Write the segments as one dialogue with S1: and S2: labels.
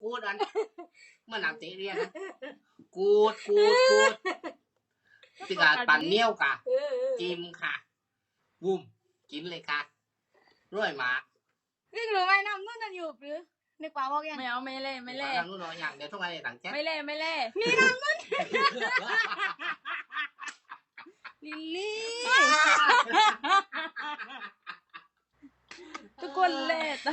S1: กูดอันเมื่อนำตีเรียนนะกูดติกาปั่นเนี้ยวกะจิ้มค่ะวุ้มกินเลยค่ะร่อยมาก
S2: ซึ่งรู้ไหมน้ำนุ่นนั่นอยู่หรือในกว่าบอกยัง
S3: ไม่เอาไม่เล่
S1: น้ำนุ่นน้อยอย่างเดี๋ยวต้องอะไรต่างแจ๊
S3: ไม่เล่
S2: มีน้ำนุ่นลิลลี่
S3: ทุกคนเล่ต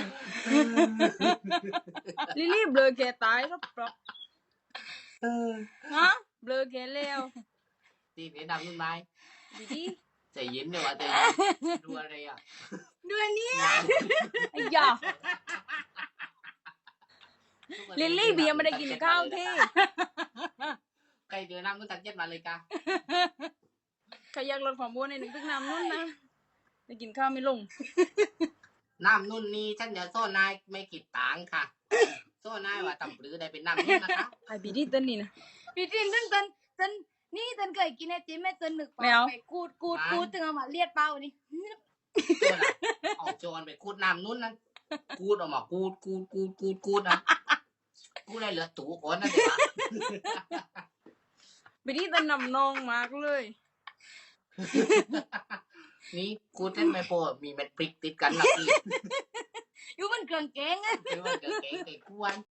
S3: ลิลลี่เบลอแกตายก็ปลอกฮะเบลอแกเร็ว
S1: ตีนี้น้ำนุ่นไหม
S3: ดี
S1: ใจเย็นเดี๋ยวใจดูอะไรอ่ะ
S2: ดูอันนี้
S3: ไอ้ยาลิลลี่เบียร์ไม่ได้กินข้าวที่
S1: ใครเดือน้ำนุ่นตัดเย็ดมาเลยกะ
S3: ใครอยากลดความอ้วนในหนึ่งตึกน้ำนุ่นนะได้กินข้าวไม่ลง
S1: น้ำนุ่นนี่ฉันเดี๋ยวโซ่นายไม่กิดต่างค่ะโซ่นายว่าต่ำปรือได้เป็นน้ำนุ่นนะคะ
S3: ไอ้บีดีตันนี่นะ
S2: บีดีตันนี่ตันเคยกินไอติมแม่ตันหนึกไปกูดถึงเอามาเลียดเป้านี่
S1: เอาโจรไปกูดน้ำนุ่นนั่นกูดออกมากูดนะกูได้เหลือตู่ก่อนนั่นเอง
S3: บีดีตันนำนองมากเลย
S1: นี่กูเล่นไม่พอมีเม็ดพริกติดกันหลักอีก
S2: อยู่มันเกลืองแกง
S1: อยู่มันเกลืองแกงไก่กวน